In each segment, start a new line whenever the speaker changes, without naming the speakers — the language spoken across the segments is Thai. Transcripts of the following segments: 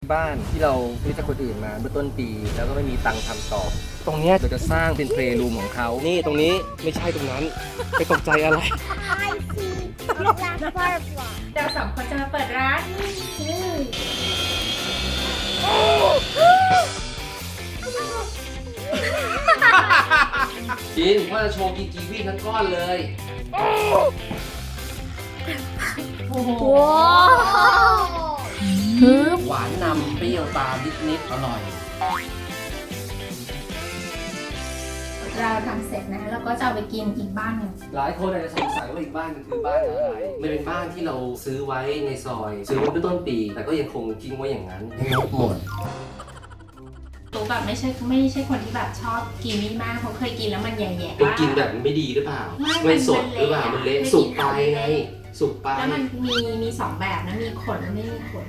บ้านที่เราซื้อจากคนอื่นมาเมื่อต้นปีแล้วก็ไม่มีตังค์ทำต่อตรงเนี้ยเราจะสร้างเป็นเพลย์รูมของเขานี่ตรงนี้ไม่ใช่ตรงนั้นไปตกใจอะไร
I see a black butterfly.
เราสองคนจะมาเปิดร้าน
จินพ่อจะโชว์กินกีวีทั้งก้อนเลย
โอ้โห
หวานนำเปรี้ยวตามนิดๆอร่อย
เราทำเสร็จนะแล้วก็จะเอาไปกินอีกบ้านหนึ่ง
หลายคนอาจจะสงสัยว่าอีกบ้านมันคือบ้านอะไรมันเป็นบ้านที่เราซื้อไว้ในซอย ซื้อไว้เมื่อต้นปี แต่ก็ยังคงทิ้งไว้อย่างนั้นงดหมด
ตัวแบบไม่ใช่คนที่แบบชอบกินนี่มากเพราะเคยกินแล้วมันแย่ๆ
เป็นกินแบบไม่ดีหรือเปล่า ไม่สดหรือเปล่า มันเละสุกไปไง สุกไป
แล้วมันมีสองแบบนะมีขนและไม่มีขน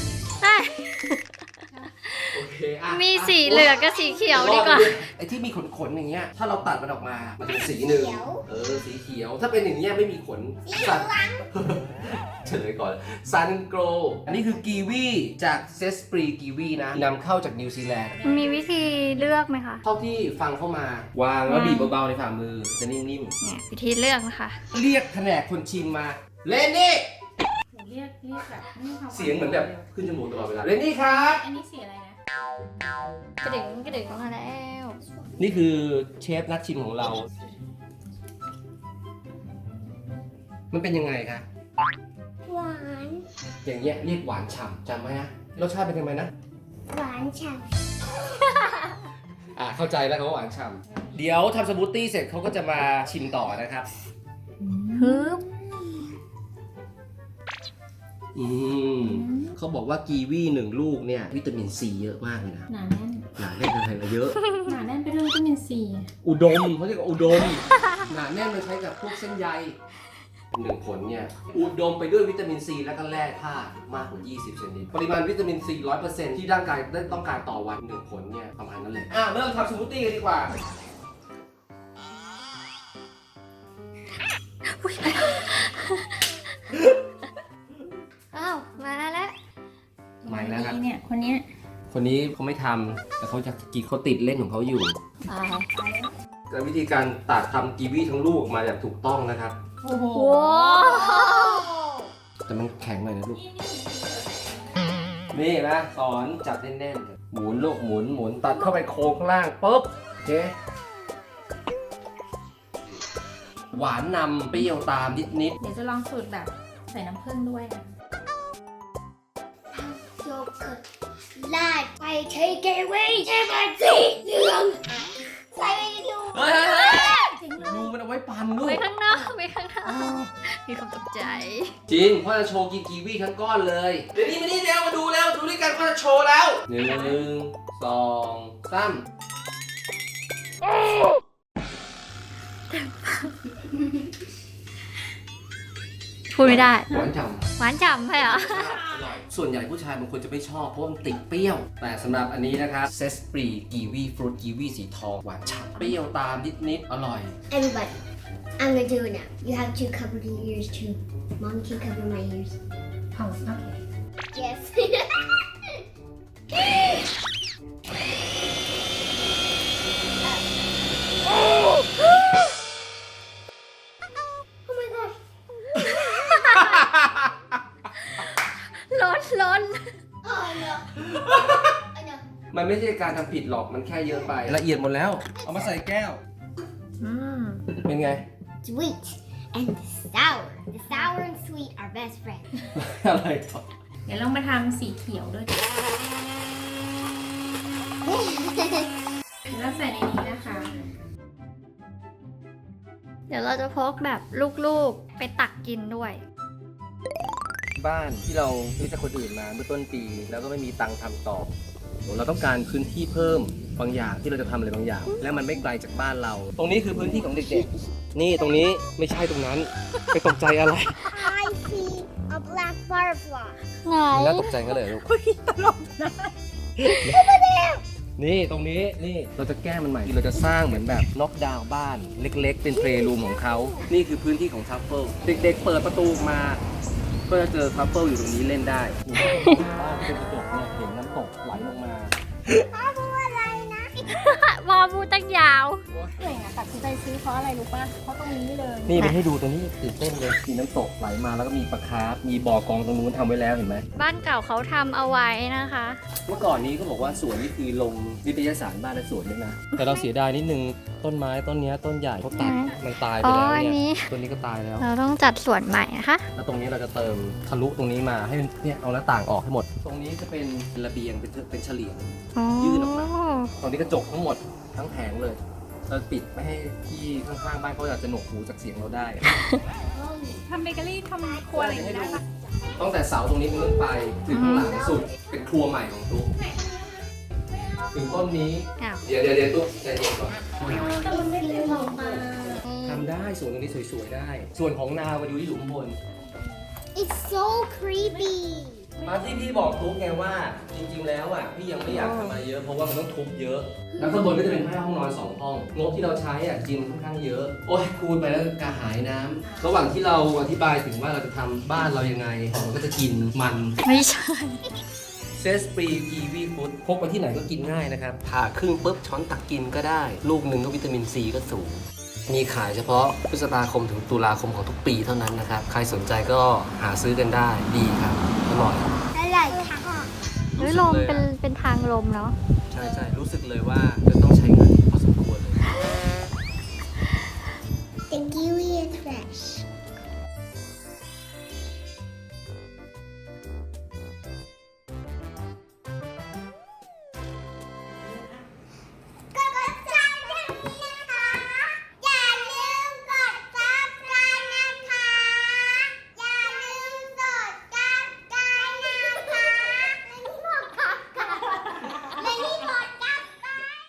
โอเคอ่ะ
มีสีเหลืองกับสีเขียวดีกว่า
ไอ้ที่มีขนๆอย่างเงี้ย ถ้าเราตัดมันออกมา มันจะเป็นสีหนึ่งสีเขียว ถ้าเป็นอย่างเงี้ยไม่มีขนสัตว์ เฉลยก่อนซันโกรอันนี้คือกีวีจากเซสปรีกีวีนะนำเข้าจากนิวซีแลนด์
มีวิธีเลือกไหมคะ
เท่าที่ฟังเข้ามาวางแล้วบีบเบาๆในฝ่ามือจะนิ่ม
เนี่ยวิธีเลือกนะคะ
ๆ เรียกแผนกคนชิมมา เลนนี่
เรียกแบบไม่มีความ
เสียงเหมือนแบบขึ้นจมูกตลอดเวลา เลนนี่ครับ
อันนี้สีอะไรนะ
กระดึงกระดึงมาแล้ว
นี่คือเชฟนักชิมของเรา มันเป็นยังไงคะ
หวาน
อย่างเงี้ยเรียกหวานฉ่ำจำไหมฮะรสชาติเป็นยังไงนะ
หวานฉ่
เข้าใจแล้วเขาหวานฉ่ำเดี๋ยวทำสมูทตี้เสร็จเขาก็จะมาชิมต่อนะครับ
ฮึบ
เขาบอกว่ากีวี1 ลูกเนี่ยวิตามินซีเยอะมากเลยนะ
หนาแน่น
หนาแน่นอะไรเยอะ
หนาแน่นไปด้วยวิตามินซี
อุดมเขาเรียกว่าอุดม หนาแน่นมันใช้กับพวกเส้นใย1 ผลเนี่ยอุดมไปด้วยวิตามินซีและก็แร่ธาตุมากกว่า20 ชนิดปริมาณวิตามินซี 100% ที่ร่างกายได้ต้องการต่อวัน1 ผลเนี่ยประมาณนั้นเลยเริ่มทำสมูทตี้กันดีกว่า
อ้าวมาแล้ว
ไม่แล้วครับ
เนี่ยคนเนี้ย
คนนี้เขาไม่ทำแต่เขาจะกินเขาติดเล่นของเขาอยู่
ไป
แต่วิธีการตัดทำกีวีทั้งลูกออกมาอย่างถูกต้องนะครับ
โอ้โห
ว้าว
แต่มันแข็งหน่อยนะลูก นี่นะสอนจับแน่นๆหมุนลูกหมุนตัดเข้าไปโค้งข้างล่างปุ๊บโอเคหวานนำเปรี้ยวตามนิด
เดี๋ยวจะลองสูตรแบบใส่น้ำผึ้งด้วยนะ
ำโยเกิร์ตลาดไปเทเกเวย์ใช่ไหมสีเหลืองใส่ดู
ๆเฮ้ยดูมันเอาไว้ปั่นลู
ไป
ก
ข้างนอกไปข้างนอกมีความตกใจ
จริงพ่อจะโชว์กินกีวีทั้งก้อนเลยเดี๋ยวนี้มานี่เร็วมาดูแล้วดูด้วยกันพ่อจะโชว์แล้ว1 2 3
พูดไม่ได้
หวานฉ่ำ
หวานฉ่ำใช่เหรอ
ส่วนใหญ่ผู้ชายบางคนจะไม่ชอบเพราะมันติดเปรี้ยว แต่สำหรับอันนี้นะครับเซสปรีกีวีฟรุตกีวีสีทองหวานฉ่ำเปรี้ยวตามนิดๆอร่อย
Everybody I'm gonna do it now you have to cover your ears too Mom can cover my ears
โอเค
yes Oh my gosh
ล้น
Oh no I know
มันไม่ใช่การทำผิดหรอกมันแค่เยอะไป ละเอียดหมดแล้ว เอามาใส่แก้ว เป็นไง
sweet and sour the sour and sweet are best friends
อะไรต่อ
เดี๋ยวลองมาทำสีเขียวด้วยแล้วใส่ในนี้นะคะ
เดี๋ยวเราจะพกแบบลูกๆไปตักกินด้วย
บ้านที่เราซื้อจากคนอื่นมาเมื่อต้นปี แล้วก็ไม่มีตังค์ทำต่อ เราต้องการพื้นที่เพิ่มบางอย่างที่เราจะทำอะไรบางอย่าง และมันไม่ไกลจากบ้านเรา ตรงนี้คือพื้นที่ของเด็กๆ นี่ตรงนี้ไม่ใช่ตรงนั้น ไปตกใจอะไร
I see a black butterfly
ไหน
มันน่าตกใจกันเลยลูกนี่ตรงนี้นี่เราจะแก้มันใหม่เราจะสร้างเหมือนแบบน็อกดาวน์บ้านเล็กๆ เป็นเพลย์รูมของเขานี่คือพื้นที่ของทัฟเฟิลเด็กๆเปิดประตูมา ก็จะเจอทัฟเฟิลอยู่ตรงนี้เล่นได้บ้านเป็นกระจกเนี่ยเห็นน้ำต
พูดอะไรนะ
วอพูดตั้งยาว
เก่งอะตัดสินใจซื้อเพราะอะไรรู้ป่ะ เพราะตรงนี้เลย
นี่ไปให้ดูตัวนี้ตื่นเต้นเลยมีน้ำตกไหลมาแล้วก็มีปลาคาร์ฟมีบ่อกองตรงนู้นทำไว้แล้วเห็นไหม
บ้านเก่าเขาทำเอาไว้นะคะ
เมื่อก่อนนี้ก็บอกว่าสวนนี่คือลงนิตยสารบ้านและสวนด้วยนะ แต่เราเสียดายนิดนึงต้นไม้ต้นเนี้ยต้นใหญ่เขาตัดมันตายไป
อ๋อ
แล้ว
อัน
เนี่
นี้
ยต้นนี้ก็ตายแล้ว
เราต้องจัดสวนใหม่นะคะ
แล้วตรงนี้เราจะเติมทะลุตรงนี้มาให้มันเนี่ยเอาหน้าต่างออกให้หมด ตรงนี้จะเป็นระเบียงเป็นเฉลียง
อ๋อ
ยื่นออกมา ตรงนี้กระจกทั้งหมดทั้งแผงเลย เราปิดไม่ให้ที่ข้างๆบ้านเขาอาจจะหนวกหูจากเสียงเราได้
ทำเบเกอรี่ทำครัวอะไรอย่างเงี้ยได้ปะ
ตั้งแต่เสาตรงนี้เป็นต้นไปถึงข้างหลังสุดเป็นครัวใหม่ของตุ๊กถึงต้นนี้
อ้าว
เดี๋ยวตุ๊กใจเย็นก่อน
แต่มันไม่เป็นออกมา
ทำได้สวนตรงนี้สวยๆได้ ส่วนของนามาดูที่หลุมบน
It's so creepy
มาที่พี่บอกตุ๊กไงว่าจริงๆแล้วอ่ะพี่ยังไม่อยากทำมาเยอะเพราะว่ามันต้องทุบเยอะ แล้วข้างบนก็จะเป็น5 ห้องนอน 2 ห้องงบที่เราใช้อ่ะจริงค่อนข้างเยอะ โอ้ยคูณไปแล้วกระหายน้ำระหว่างที่เราอธิบายถึงว่าเราจะทำบ้านเรายังไงมันก็จะกินมัน
ไม่ใช่
เซสปรีกีวีฟู้ดพกไปที่ไหนก็กินง่ายนะครับผ่าครึ่งปุ๊บช้อนตักกินก็ได้ ลูกหนึ่งก็วิตามินซีก็สูง มีขายเฉพาะพฤษภาคมถึงตุลาคมของทุกปีเท่านั้นนะครับ ใครสนใจก็หาซื้อกันได้ดีครับอร่อย
อร่อยค่ะ
เฮ้ยลมเป็นทางลมเนาะ
ใช่รู้สึกเลยว่าจะต้องใช้เงินพอสมควรเลย
The kiwi is fresh